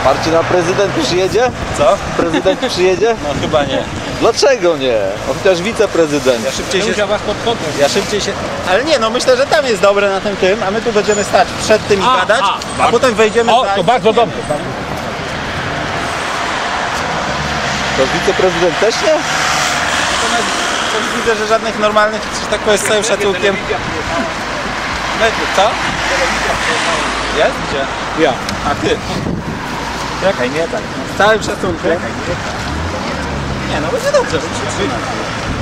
Marcin, a prezydent przyjedzie? Co? Prezydent przyjedzie? No chyba nie. Dlaczego nie? On chociaż wiceprezydent. Ja szybciej się... Ale nie, no myślę, że tam jest dobre na tym, a my tu będziemy stać przed tym i gadać, a potem wejdziemy O, za... to bardzo dobrze. To wiceprezydent też nie? Natomiast coś widzę, że żadnych normalnych, że tak powiem z całym szacunkiem... Mediów, co? Jest? Gdzie? Ja. A ty? Czekaj, nie tak. Z całym szacunkiem. Nie, no będzie dobrze, bo się trzyma.